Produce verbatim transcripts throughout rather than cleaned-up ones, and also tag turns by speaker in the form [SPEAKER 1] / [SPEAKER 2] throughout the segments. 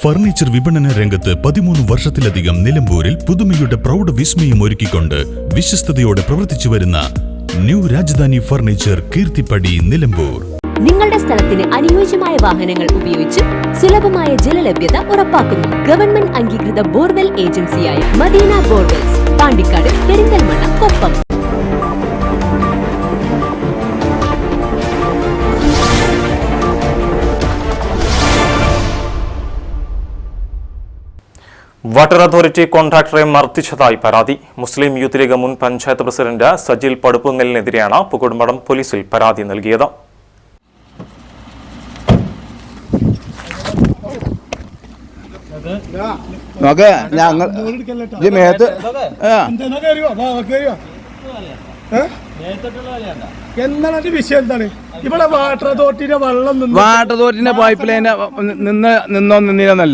[SPEAKER 1] Furniture വിപണന രംഗത്ത് പതിമൂന്ന് വർഷത്തിലധികം നിലമ്പൂരിൽ പുതുമയുടെ പ്രൗഢ വിസ്മയം ഒരുക്കിക്കൊണ്ട് വിശ്വസ്തയോടെ പ്രവർത്തിച്ചു വരുന്ന ന്യൂ രാജധാനി ഫർണിച്ചർ കീർത്തിപ്പടി നിലമ്പൂർ.
[SPEAKER 2] നിങ്ങളുടെ സ്ഥലത്തിന് അനുയോജ്യമായ വാഹനങ്ങൾ ഉപയോഗിച്ച് സുലഭമായ ജലലഭ്യത ഉറപ്പാക്കുന്നു. ഗവൺമെന്റ് അംഗീകൃത ബോർവെൽ ഏജൻസിയായ Madina borewells, Pandikkad, Perinthalmanna, Koppam.
[SPEAKER 3] Water authority കോൺട്രാക്ടറെ മർദ്ദിച്ചതായി പരാതി. മുസ്ലിം യൂത്ത് ലീഗ് മുൻ പഞ്ചായത്ത് പ്രസിഡന്റ് സജിൽ പടുപ്പുങ്ങലിനെതിരെയാണ് പൂക്കോട്ടുംപാടം പോലീസിൽ പരാതി നൽകിയത്.
[SPEAKER 4] എന്താണ് വിഷയം? എന്താണ് ഇവിടെ വാട്ടർ അതോറിറ്റിയുടെ വെള്ളം
[SPEAKER 5] വാട്ടർ അതോറിറ്റിന്റെ പൈപ്പ് ലൈൻ നിന്ന് നിന്നോ നിന്നില്ലെന്നല്ല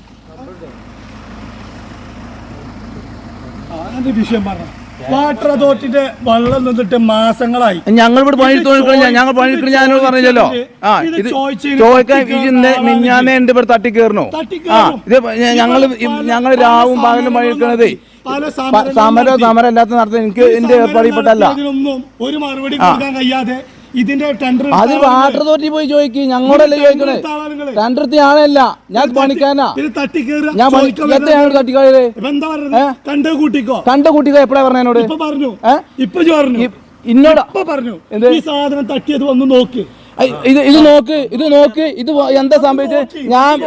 [SPEAKER 4] വിഷയം പറഞ്ഞു. വാട്ടർ അതോറിറ്റിന്റെ വെള്ളം നിന്നിട്ട് മാസങ്ങളായി.
[SPEAKER 5] ഞങ്ങൾ ഇവിടെ പണിയെടുത്തോണ്ടിരിക്കണ ഞങ്ങൾ പണിയെടുക്കണ ഞാനോട് പറഞ്ഞല്ലോ. ആ ഇത് ചോദിക്കാൻ ഇതിന്റെ മിഞ്ഞാന്നെ ഉണ്ട് ഇവിടെ തട്ടി കയറണോ? ആ ഇത് ഞങ്ങൾ ഞങ്ങൾ രാവും പകലും പണിയെടുക്കണതേ സമരം സമരം അല്ലാത്ത നടത്താൻ എനിക്ക് എന്റെ ഏർപ്പാടിൽപ്പെട്ടല്ല.
[SPEAKER 4] ഒരു മറുപടി കൊടുക്കാൻ കഴിയാതെ ഇതിന്റെ ടെൻഡർ
[SPEAKER 5] അത് വാട്ടർ അതോറിറ്റി പോയി ചോദിക്കും. ഞങ്ങളോടല്ലേ ചോദിക്കണേ? ടെൻഡർ ആളല്ല, ഞാൻ പണിക്കാനാ. ഞാൻ എത്രയാണ് തട്ടിക്കായത്? കണ്ട കൂട്ടിക്കോ കണ്ട കൂട്ടിക്കോ എപ്പോഴാ പറഞ്ഞ എന്നോട്?
[SPEAKER 4] പറഞ്ഞു ഇപ്പൊ പറഞ്ഞു
[SPEAKER 5] ഇന്നോട്
[SPEAKER 4] പറഞ്ഞു ഈ സാധനം തട്ടിയത് വന്ന് നോക്ക്.
[SPEAKER 5] ഇത് ഇത് നോക്ക് ഇത് നോക്ക് ഇത് എന്താ സംഭവിച്ചത്? ഞാൻ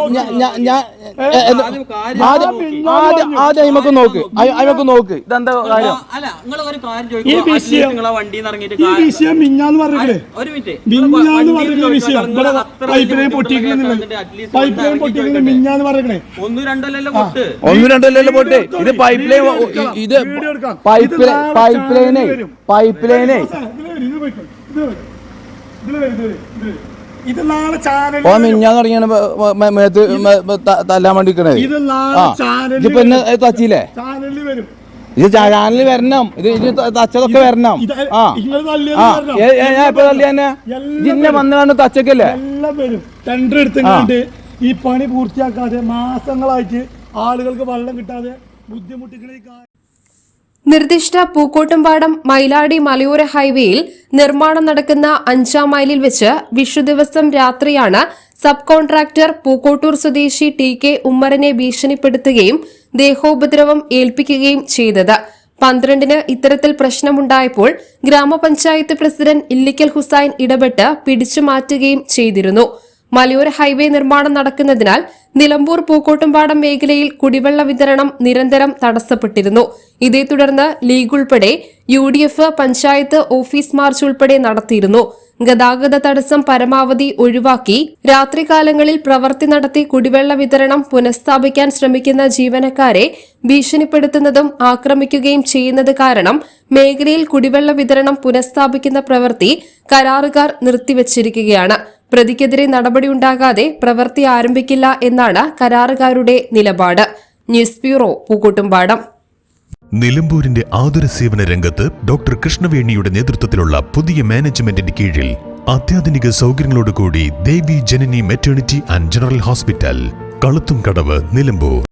[SPEAKER 5] ആദ്യം ആദ്യം അയിമക്ക് നോക്ക് അയിമക്ക് നോക്ക് ഇതെന്താ കാര്യം?
[SPEAKER 4] ഈ വിഷയം ഈ വിഷയം മിഞ്ഞാന്ന് പറഞ്ഞേ മിഞ്ഞാന്ന് പറഞ്ഞ വിഷയം ഇവിടെ പൈപ്പ് ലൈൻ പൊട്ടിക്കുന്നില്ല. പൈപ്പ് ലൈൻ പൊട്ടിക്കുന്ന മിഞ്ഞാന്ന് പറഞ്ഞേ
[SPEAKER 5] ഒന്നും രണ്ടല്ലോ പൊട്ടെ. ഇത് പൈപ്പ് ലൈൻ ഇത് പൈപ്പ് പൈപ്പ് ലൈനെ പൈപ്പ് ലൈനെ മിഞ്ഞാന്ന് തുടങ്ങിയാണ് തല്ലാൻ വേണ്ടിക്കണേ. ഇതിപ്പോ എന്നെ തച്ചില്ലേ? ഇത് ചാനലിൽ വരണം. ഇത് ഇത് തച്ചതൊക്കെ വരണം. ആ ഞാൻ ഇപ്പൊ തല്ലി തന്നെ ഇന്നെ വന്ന് കണ്ട് തച്ചക്കല്ലേ
[SPEAKER 4] ടെൻഡർ എടുത്തിട്ട് ഈ പണി പൂർത്തിയാക്കാതെ മാസങ്ങളായിട്ട് ആളുകൾക്ക് വെള്ളം കിട്ടാതെ ബുദ്ധിമുട്ടിക്കണ.
[SPEAKER 6] നിർദ്ദിഷ്ട പൂക്കോട്ടുംപാടം മൈലാടി മലയോര ഹൈവേയിൽ നിർമ്മാണം നടക്കുന്ന അഞ്ചാം മൈലിൽ വെച്ച് വിഷുദിവസം രാത്രിയാണ് സബ് കോൺട്രാക്ടർ പൂക്കോട്ടൂർ സ്വദേശി ടി കെ ഉമ്മറിനെ ഭീഷണിപ്പെടുത്തുകയും ദേഹോപദ്രവം ഏൽപ്പിക്കുകയും ചെയ്തത്. പന്ത്രണ്ടിന് ഇത്തരത്തിൽ പ്രശ്നമുണ്ടായപ്പോൾ ഗ്രാമപഞ്ചായത്ത് പ്രസിഡന്റ് ഇല്ലിക്കൽ ഹുസൈൻ ഇടപെട്ട് പിടിച്ചുമാറ്റുകയും ചെയ്തിരുന്നു. മലയോര ഹൈവേ നിർമ്മാണം നടക്കുന്നതിനാൽ നിലമ്പൂർ പൂക്കോട്ടുംപാടം മേഖലയിൽ കുടിവെള്ള വിതരണം നിരന്തരം തടസ്സപ്പെട്ടിരുന്നു. ഇതേ തുടർന്ന് ലീഗ് ഉൾപ്പെടെ U D F panchayat office march ഉൾപ്പെടെ നടത്തിയിരുന്നു. ഗതാഗത തടസ്സം പരമാവധി ഒഴിവാക്കി രാത്രികാലങ്ങളിൽ പ്രവൃത്തി നടത്തി കുടിവെള്ള വിതരണം പുനഃസ്ഥാപിക്കാൻ ശ്രമിക്കുന്ന ജീവനക്കാരെ ഭീഷണിപ്പെടുത്തുന്നതും ആക്രമിക്കുകയും ചെയ്യുന്നത് കാരണം മേഖലയിൽ കുടിവെള്ള വിതരണം പുനഃസ്ഥാപിക്കുന്ന പ്രവൃത്തി കരാറുകാർ നിർത്തിവച്ചിരിക്കുകയാണ്. പ്രതിക്കെതിരെ നടപടിയുണ്ടാകാതെ പ്രവൃത്തി ആരംഭിക്കില്ല എന്നാണ് കരാറുകാരുടെ നിലപാട്. News bureau, Pookkottumpadam.
[SPEAKER 1] നിലമ്പൂരിന്റെ ആതുര സേവന രംഗത്ത് ഡോക്ടർ കൃഷ്ണവേണിയുടെ നേതൃത്വത്തിലുള്ള പുതിയ മാനേജ്മെന്റിന്റെ കീഴിൽ അത്യാധുനിക സൗകര്യങ്ങളോടുകൂടി Devi Janani maternity and general hospital, Kaluthumkadavu, Nilambur.